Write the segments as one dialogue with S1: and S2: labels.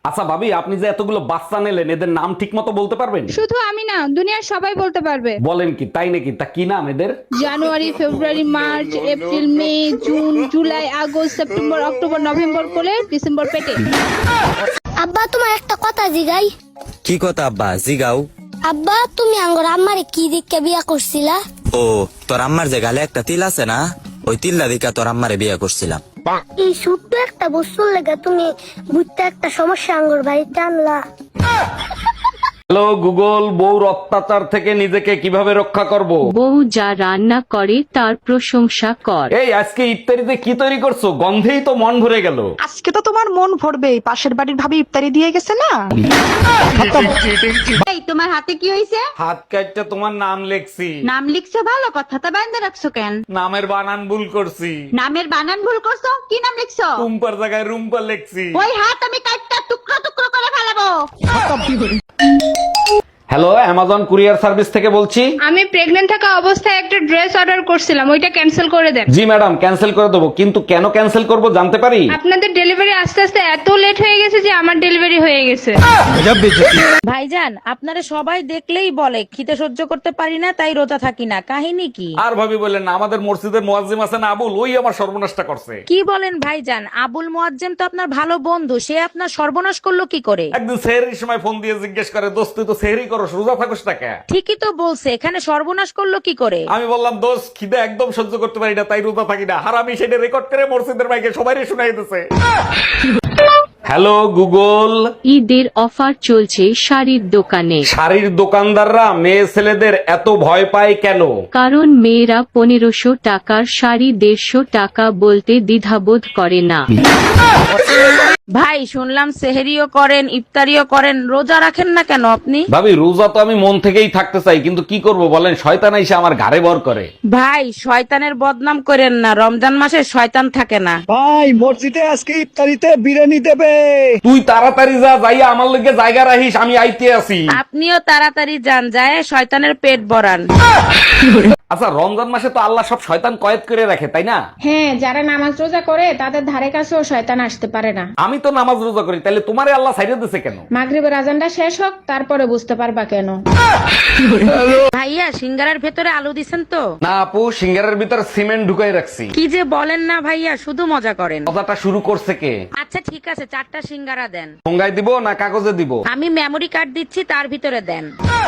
S1: আচ্ছা ভাবি, আপনি যে এতগুলো বাচ্চা নিলেন, এদের নাম ঠিক মতো বলতে পারবেন?
S2: শুধু আমি না, দুনিয়ার সবাই বলতে পারবে।
S1: বলেন কি, তাই নাকি? তা কি নাম এদের?
S2: January, February, March, April, May, June, July, August, September, October, November কোলে, ডিসেম্বর পেটে।
S3: আব্বা তোমার একটা কথা জিগাই।
S4: কি কথা আব্বা জিগাও?
S3: আব্বা তুমি আঙ্গর আম্মারে কি দিককে বিয়া করছিলা?
S4: ও তোর আম্মার যে গালে একটা তিল আছে না, ওই তিল্লা দিকা তোর আম্মারে বিয়ে করছিলাম।
S3: এই ছোট্ট একটা বস্তুর লেগে তুমি বুঝতে একটা সমস্যা আঙ্গর বাড়িতে আনলা।
S1: হ্যালো গুগল, বউর অত্যাচার থেকে নিজেকে কিভাবে রক্ষা করব?
S5: বউ যা রান্না করে তার প্রশংসা কর।
S1: এই আজকে ইফতারিতে কি তৈরি করছো? গন্ধেই তো মন ভরে গেল।
S6: আজকে তো তোমার মন ভরবে, পাশের বাড়ির ভাবি ইফতারি দিয়ে গেছে না।
S7: এই তোমার হাতে কি হয়েছে?
S1: হাত কাটটা তোমার নাম লেখছি।
S7: নাম লিখছো ভালো, কথাটা বাইন্ধে রাখছো কেন?
S1: নামের বানান ভুল করছি।
S7: নামের বানান ভুল করছো? কি নাম লিখছো?
S1: রুম্পার জায়গায় রুম্পা লেখছি।
S7: ওই হাত আমি কাটটা টুকরো টুকরো করে ফেলাবো।
S1: হ্যালো, অ্যামাজন কুরিয়ার সার্ভিস থেকে বলছি।
S2: আমি প্রেগন্যান্ট থাকা অবস্থায় একটা ড্রেস অর্ডার করছিলাম, ওইটা ক্যান্সেল করে দেন।
S1: জি ম্যাডাম, ক্যান্সেল করে দেবো, কিন্তু কেন ক্যান্সেল করব জানতে পারি?
S2: আপনাদের ডেলিভারি আস্তে আস্তে এত লেট হয়ে গেছে যে আমার ডেলিভারি হয়ে গেছে।
S8: ভাইজান, আপনারা সবাই দেখলেই বলে খিদে সহ্য করতে পারি না, তাই রোজা থাকি না। কাহিনী কি?
S1: আর ভাবি বললেন না, আমাদের মসজিদের মুয়াজ্জিম আছেন আবুল, ওই আমার সর্বনাশটা করছে।
S8: কি বলেন ভাইজান? আবুল মুয়াজ্জেম তো আপনার ভালো বন্ধু, সে আপনার সর্বনাশ করলো কি করে?
S1: একদিন সেহরির সময় ফোন দিয়ে জিজ্ঞেস করে, দোস্ত তুই তো সেহরি করস, রোজা থাকস না কেন?
S8: ঠিকই তো বলছে, এখানে সর্বনাশ করলো কি করে?
S1: আমি বললাম, দোস্ত খিদে একদম সহ্য করতে পারি না, তাই রোজা থাকি না। আর আমি সেটা রেকর্ড করে মসজিদের মাইকে সবাই শোনাই দিতেছে। হ্যালো গুগল,
S5: ঈদের অফার চলছে শাড়ির দোকানে।
S1: শাড়ির দোকানদাররা মেয়ে ছেলেদের এত ভয় পায় কেন?
S5: কারণ মেয়েরা 1500 টাকার শাড়ি 150 টাকা বলতে দ্বিধাবোধ করে না।
S8: ভাই শুনলাম সেহেরিও করেন, ইফতারিও করেন, রোজা রাখেন না কেন আপনি?
S1: ভাবি রোজা তো আমি মন থেকেই থাকতে চাই, কিন্তু কি করব বলেন, শয়তান এসে আমার ঘাড়ে ভর করে।
S8: ভাই শয়তানের বদনাম করেন না, রমজান মাসে শয়তান থাকে না।
S9: ভাই মসজিদে আজকে ইফতারিতে বিরিয়ানি দেবে।
S1: তুই তাড়াতাড়ি যা, যাইয়া আমার লগে জায়গা রাখিস, আমি আইতে আছি।
S8: আপনিও তাড়াতাড়ি যান, যায় শয়তানের পেট ভরান।
S1: আচ্ছা, রমজান মাসে তো আল্লাহ সব শয়তান কয়েদ করে রাখে, তাই না?
S2: হ্যাঁ, যারা নামাজ রোজা করে তাদের ধারে কাছেও শয়তান আসতে পারে না।
S1: আমি তো নামাজ রোজা করি, তাহলে তোমারে আল্লাহ সাইডে দিছে কেন?
S2: মাগরিবের আজানটা শেষ হোক, তারপরে বুঝতে পারবা কেন।
S8: ভাইয়া সিঙ্গারার ভেতরে আলু দিছেন তো?
S1: না আপু, সিঙ্গারের ভিতর সিমেন্ট ঢুকাই রাখছি।
S8: কি যে বলেন না ভাইয়া, শুধু মজা করেন।
S1: মজাটা শুরু করছে কে?
S8: আচ্ছা ঠিক আছে, 4টা সিঙ্গারা দেন।
S1: ঠোঙ্গায় দিব না কাগজে দিব?
S8: আমি মেমরি কার্ড দিচ্ছি, তার ভিতরে দেন।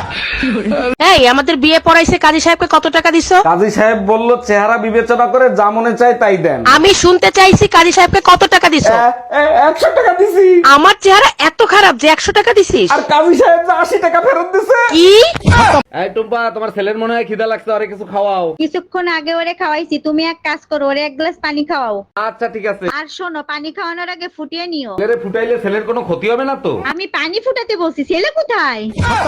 S8: এই আমাদের বিয়ে পড়াইছে, কাজী সাহেবকে কত টাকা দিছো?
S1: কাজী সাহেব বলল, চেহারা বিবেচনা করে যা মনে চায় তাই দেন।
S8: আমি শুনতে চাইছি কাজী সাহেবকে কত টাকা দিছো?
S1: 100 টাকা দিছি।
S8: আমার চেহারা এত খারাপ যে 100 টাকা দিছিস?
S1: আর কাজী সাহেব যে 80 টাকা ফেরত দিছে।
S8: কি?
S1: এই টুম্পা, তোমার ছেলের মনে হয় খিদা লাগছে, আরে কিছু খাওয়াও।
S7: কিছুক্ষণ আগে ওরে খাওয়াইছি, তুমি এক কাজ করো, ওরে এক গ্লাস পানি খাওয়াও।
S1: আচ্ছা ঠিক আছে।
S7: আর শোনো, পানি খাওয়ানোর আগে ফুটিয়ে নিও।
S1: ছেলেরে ফুটাইলে ছেলের কোনো ক্ষতি হবে না তো?
S7: আমি পানি ফুটাতে বলছি, ছেলে কোথায়?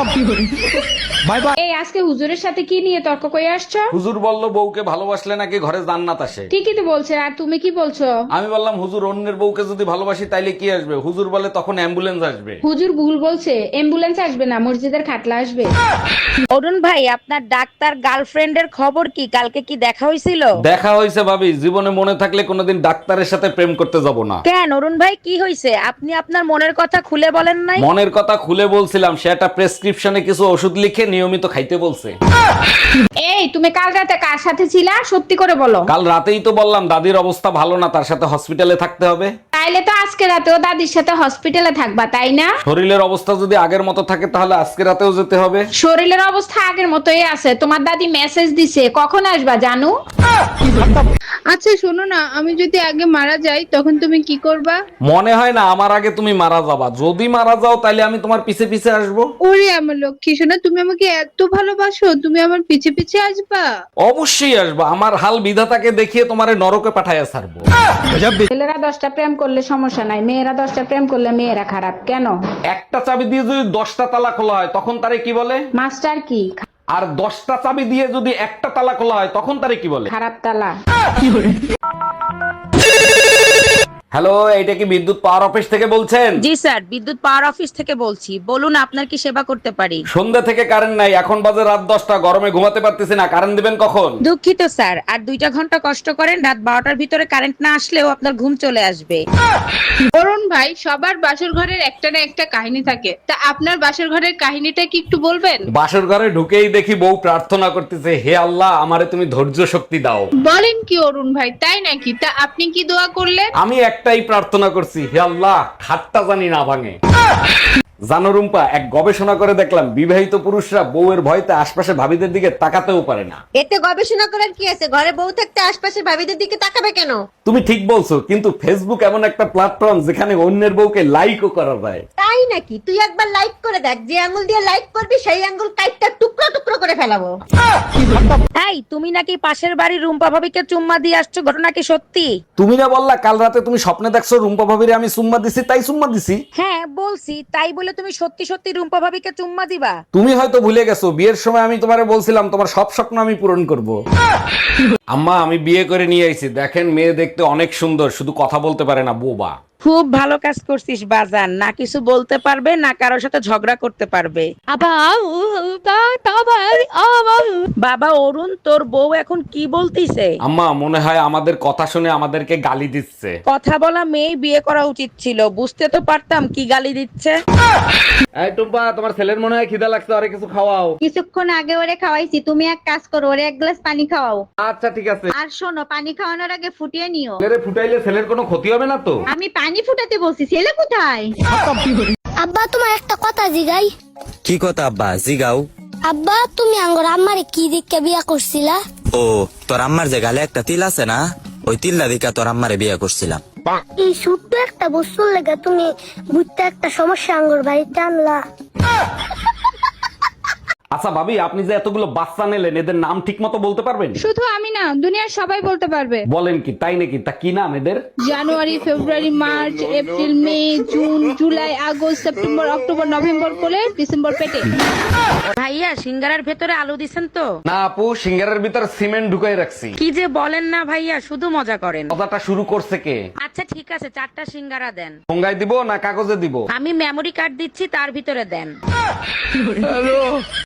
S2: এই আজকে হুজুরের সাথে কি নিয়ে তর্ক করে আসছো?
S1: হুজুর বলল, বউকে ভালোবাসলে নাকি ঘরে জান্নাত আসে।
S2: ঠিকই তো বলছে, আর তুমি কি বলছো?
S1: আমি বললাম, হুজুর অন্যের বউকে যদি ভালোবাসি তাইলে কি আসবে? হুজুর বলে, তখন অ্যাম্বুলেন্স আসবে।
S2: হুজুর ভুল বলছে, অ্যাম্বুলেন্স আসবে না, মসজিদের খাটলা আসবে।
S8: অরুণ ভাই, আপনার ডাক্তার গার্লফ্রেন্ডের খবর কি? কালকে কি দেখা হয়েছিল?
S1: দেখা হয়েছে ভাবি, জীবনে মনে থাকলে কোনোদিন ডাক্তারের সাথে প্রেম করতে যাব না।
S8: কেন অরুণ ভাই, কি হয়েছে? আপনি আপনার মনের কথা খুলে বলেন নাই?
S1: মনের কথা খুলে বলছিলাম, সে একটা প্রেসক্রিপশনে কিছু ওষুধ লিখে নিয়মিত খাইতে বলছে।
S2: এই তুমি কাল রাতে কার সাথে ছিলা, সত্যি করে বলো।
S1: কাল রাতেই তো বললাম দাদির অবস্থা ভালো না, তার সাথে হসপিটালে থাকতে হবে।
S2: তাইলে তো আজকে রাতেও দাদির সাথে হসপিটালে থাকবা, তাই না?
S1: শরীরের অবস্থা যদি আগের মতো থাকে তাহলে আজকে রাতেও যেতে হবে।
S2: শরীরের অবস্থা আগের মতোই আছে, তোমার দাদি মেসেজ দিছে, কখন আসবা জানু? আচ্ছা শোনো না, আমি যদি আগে মারা যাই তখন তুমি কি করবা?
S1: মনে হয় না আমার আগে তুমি মারা যাবা। যদি মারা যাও তাহলে আমি তোমার পিছে পিছে আসবো।
S2: ওরে আমার লক্ষ্মী সোনা, তুমি আমাকে এত ভালোবাসো, তুমি আমার পিছে পিছে আসবা?
S1: অবশ্যই আসবা, আমার হাল বিধাতাকে দেখিয়ে তোমারে নরকে পাঠাইয়া ছাড়বো।
S2: ছেলেরা 10টা প্রেম করলে সমস্যা নাই, মেয়েরা 10টা প্রেম করলে মেয়েরা খারাপ কেন?
S1: একটা চাবি দিয়ে যদি 10টা তালা খোলা হয় তখন তারে কি বলে?
S2: মাস্টার কি?
S1: আর 10টা চাবি দিয়ে যদি একটা তালা খোলা হয় তখন তারে কি বলে?
S2: খারাপ তালা।
S1: হ্যালো, এইটা কি বিদ্যুৎ পাওয়ার অফিস থেকে বলছেন?
S8: জি স্যার, বিদ্যুৎ পাওয়ার অফিস থেকে বলছি। বলুন আপনার কি সেবা করতে পারি?
S1: সন্ধ্যা থেকে কারেন্ট নাই, এখন বাজে রাত 10টা, গরমে ঘুমাতে পারতেছি না, কারেন্ট দিবেন কখন?
S8: দুঃখিত স্যার, আর 2টা ঘন্টা কষ্ট করেন, রাত 12টার ভিতরে কারেন্ট না আসলেও আপনার ঘুম চলে আসবে।
S2: অরুণ ভাই, সবার বাসর ঘরের একটা না একটা কাহিনী থাকে, তা আপনার বাসর ঘরের কাহিনীটা কি একটু বলবেন?
S1: বাসর ঘরে ঢুকেই দেখি বউ প্রার্থনা করতেছে, হে আল্লাহ আমারে তুমি ধৈর্য শক্তি দাও।
S2: বলেন কি অরুণ ভাই, তাই নাকি? তা আপনি কি দোয়া করলেন?
S1: আমি একটাই প্রার্থনা করছি, হে আল্লাহ খাটটা জানি না ভাঙে। জানো রুম্পা, এক গবেষণা করে দেখলাম বিবাহিত পুরুষরা বউয়ের ভয়তে আশপাশে ভাবিদের দিকে তাকাতেও পারে না।
S7: এতে গবেষণা করার কি আছে? ঘরে বউ থাকতে আশপাশের ভাবিদের দিকে তাকাবে কেন?
S1: তুমি ঠিক বলছো, কিন্তু ফেসবুক এমন একটা প্ল্যাটফর্ম যেখানে অন্যের বউকে লাইকও করা যায়।
S7: তাই নাকি? তুই একবার লাইক করে দেখ, যে আঙ্গুল দিয়ে লাইক করবি সেই আঙ্গুল কাইটটা টুকরো টুকরো করে ফেলাবো।
S8: এই, তুমি নাকি পাশের বাড়ির রুম্পা ভাবিকে চুম্মা দিয়ে আসছো, ঘটনা কি সত্যি?
S1: তুমি না বললা কাল রাতে তুমি স্বপ্নে দেখছো রুম্পা ভাবিরে আমি চুম্মা দিছি, তাই চুম্মা দিছি।
S8: হ্যাঁ বলছি, তাই বলে তুমি সত্যি সত্যি রুম্পা ভাবিকে চুম্মা দিবা?
S1: তুমি হয়তো ভুলে গেছো, বিয়ের সময় আমি তোমারে বলছিলাম তোমার সব স্বপ্ন আমি পূরণ করব। আম্মা, আমি বিয়ে করে নিয়ে আইছি, দেখেন মেয়ে দেখতে অনেক সুন্দর, শুধু কথা বলতে পারে না, বোবা।
S8: খুব ভালো কাজ করছিস বাজান, না কিছু বলতে পারবে না কারোর সাথে ঝগড়া করতে পারবে। বাবা অরুণ, তোর বউ এখন কি বলতিছে?
S1: আম্মা, মনে হয় আমাদের কথা শুনে আমাদেরকে গালি দিচ্ছে।
S8: কথা বলা মেয়ে বিয়ে করা উচিত ছিল, বুঝতে তো পারতাম কি গালি দিচ্ছে।
S1: এই টুম্পা, তোমার ছেলের মনে হয় খিদা লাগছে, আরে কিছু খাওয়াও।
S7: কিছুক্ষণ আগে ওরে খাওয়াইছি, তুমি এক কাজ করো, ওরে এক গ্লাস পানি খাওয়াও।
S1: আচ্ছা ঠিক আছে।
S7: আর শোনো, পানি খাওয়ানোর আগে ফুটিয়ে নিও।
S1: ছেলেরে ফুটাইলে ছেলের কোনো ক্ষতি হবে না তো?
S7: আমি পানি ফুটাতে বলছি, ছেলে কোথায়?
S3: আব্বা তোমার একটা কথা জিগাই।
S4: কি কথা আব্বা, জিগাও।
S3: আব্বা তুমি আঙ্গর আম্মারে কি দিকে বিয়া করছিলা?
S4: ও, তোর আম্মার যে গালে একটা তিল আছে না, ওই তিল্লা দিকা তোর আম্মারে বিয়ে করছিলাম।
S3: এই ছোট্ট একটা বস্তুর লেগে তুমি বুঝতে একটা সমস্যা আঙ্গর বাড়িতে আনলা।
S1: আচ্ছা ভাবি, আপনি যে এতগুলো বাচ্চা নিলেন, এদের নাম ঠিক মতো বলতে পারবেন?
S2: শুধু আমি না, দুনিয়ার সবাই বলতে পারবে।
S1: বলেন কি, তাই নাকি? তা কি নাম এদের?
S2: January, February, March, April, May, June, July, August, September, October, November কোলে, ডিসেম্বর পেটে।
S8: ভাইয়া, সিঙ্গারার ভেতরে আলু দিছেন তো?
S1: না আপু, সিঙ্গারের ভিতর সিমেন্ট ঢুকাই রাখছি।
S8: কি যে বলেন না ভাইয়া, শুধু মজা করেন।
S1: কথাটা শুরু করছে কে?
S8: আচ্ছা ঠিক আছে, 4টা সিঙ্গারা দেন।
S1: ঠোঙ্গায় দিব না কাগজে দিব?
S8: আমি মেমরি কার্ড দিচ্ছি, তার ভিতরে দেন।